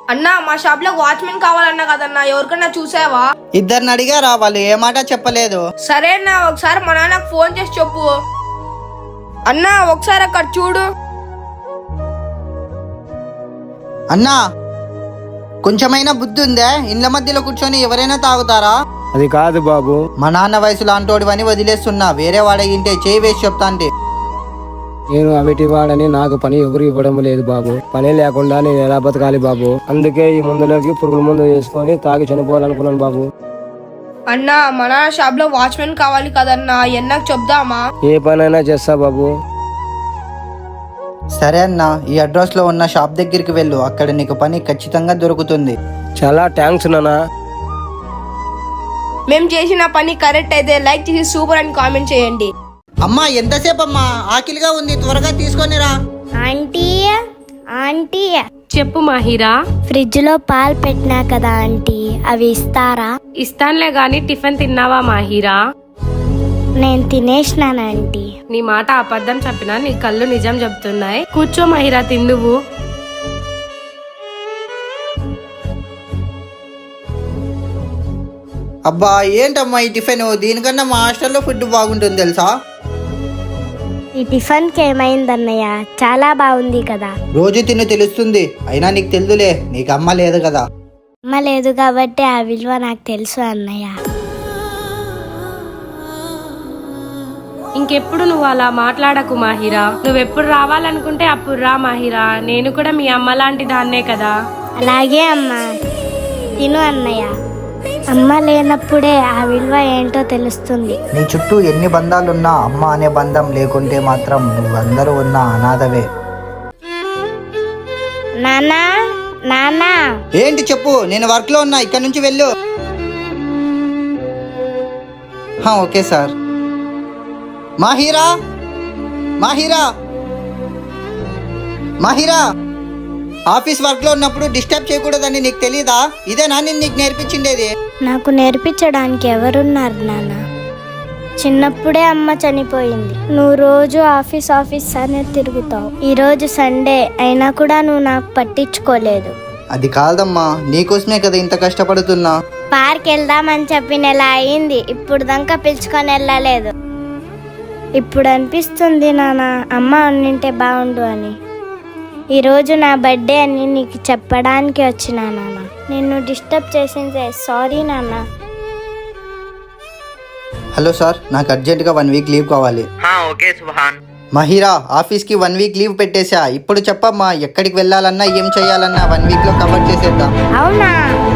అన్నా మా షాప్ లో వాచ్మెన్ కావాలన్నా కదన్నా, ఎవరికన్నా చూసావా? ఇద్దరిని అడిగారా, వాళ్ళు ఏ మాట చెప్పలేదు. సరే అన్నా, ఒకసారి మా నాన్నకు ఫోన్ చేసి చెప్పు. అన్నా ఒకసారి అక్కడ చూడు. అన్నా కొంచెమైనా బుద్ధి ఉందే? ఇండ్ల మధ్యలో కూర్చొని ఎవరైనా తాగుతారా? అది కాదు బాబు. మా నాన్న వయసు లాంటోడివని వదిలేస్తున్నా, వేరే వాడగింటే చేయి వేసి చెప్తా అంటే. నేను అవిటి వాడని నాకు పని ఎవరు ఇవ్వడం లేదు బాబు. పని లేకుండా నేను ఎలా బతకాలి బాబు? అందుకే ఈ మందులోకి పురుగుల మందు వేసుకొని తాగి చనిపోవాలనుకున్నాను బాబు. అన్నా మా నాన్న షాప్ లో వాచ్మెన్ కావాలి కదన్నా, ఎన్నకు చెప్దామా? ఏ పనైనా చేస్తా బాబు. సరే అన్న, ఈ అడ్రస్ లో ఉన్న షాప్ దగ్గరికి వెళ్ళు, అక్కడ నీకు పని ఖచ్చితంగా దొరుకుతుంది. చాలా థ్యాంక్స్ నాన్న. మేము చేసిన పని కరెక్ట్ అయితే లైక్ చేసి సూపర్ అని కామెంట్ చేయండి. అమ్మా ఎంతసేపు అమ్మా, ఆకలిగా ఉంది, త్వరగా తీసుకొనిరా. ఆంటీ ఆంటీ చెప్పు మాహిరా. ఫ్రిడ్జ్ లో పాలు పెట్టినా కదా ఆంటీ, అవి ఇస్తారా? ఇస్తాన్లే గాని టిఫిన్ తిన్నావా మాహిరా? నేను తినేసినాను ఆంటీ. నీ మాట అబద్ధం చెప్పినా నీ కళ్ళు నిజం చెప్తున్నాయి. కూర్చో మాహిరా, తిందువు. అబ్బా ఏంటమ్మా ఈ టిఫిన్, దీనికన్నా మా హాస్టల్లో ఫుడ్ బాగుంటుంది తెలుసా? ఈ టిఫిన్ కి ఏమైందన్నయ్య? చాలా బాగుంది కదా. రోజు తిని తెలుస్తుంది, అయినా నీకు తెలుదులే, నీకు అమ్మ లేదు కదా. అమ్మ లేదు కాబట్టి ఆ విలువ నాకు తెలుసు అన్నయ్య. ఇంకెప్పుడు నువ్వు అలా మాట్లాడకు మాహిరా. నువ్వెప్పుడు రావాలనుకుంటే అప్పుడు రా మాహిరా. నేను కూడా మీ అమ్మ లాంటి దాన్నే కదా. అలాగే అమ్మా, తిను అన్నయ్య. అమ్మ లేనప్పుడే ఆ విలువ ఏంటో తెలుస్తుంది. నీ చుట్టూ ఎన్ని బంధాలున్నా అమ్మ అనే బంధం లేకుంటే మాత్రం నువ్వందరూ ఉన్న అనాథవే. నానా నానా. ఏంటి చెప్పు, నేను వర్క్ లో ఉన్నా, ఇక్కడ నుంచి వెళ్ళు. Okay sir. Mahira Mahira Mahira, office work లో ఉన్నప్పుడు డిస్టర్బ్ చేయకూడదని నీకు తెలీదా? ఇదేనా నేను నీకు నేర్పించిండేది? నాకు నేర్పించడానికి ఎవరున్నారు నాన్న? చిన్నప్పుడే అమ్మ చనిపోయింది. నువ్వు రోజు ఆఫీస్ ఆఫీస్ అనే తిరుగుతావు. ఈ రోజు సండే అయినా కూడా నువ్వు నాకు పట్టించుకోలేదు. అది కాదమ్మా, నీకోసమే కదా ఇంత కష్టపడుతున్నా. పార్క్ వెళ్దామని చెప్పి నెల అయింది, ఇప్పుడు దాకా పిలుచుకొని వెళ్ళలేదు. ఇప్పుడు అనిపిస్తుంది నాన్న, అమ్మ ఉండింటే బాగుండు అని. ఈరోజు నా బర్త్డే అని నీకు చెప్పడానికి వచ్చినా నాన్న. నిన్ను డిస్టర్బ్ చేసిందే సారీ నాన్న. హలో సార్, నాకు అర్జెంటుగా 1 వీక్ లీవ్ కావాలి. ఓకే సుభాన్. మహిరా, ఆఫీస్కి 1 వీక్ లీవ్ పెట్టేశా. ఇప్పుడు చెప్పమ్మా, ఎక్కడికి వెళ్ళాలన్నా ఏం చేయాలన్నా 1 వీక్ లో కవర్ చేసేద్దాం. అవునా?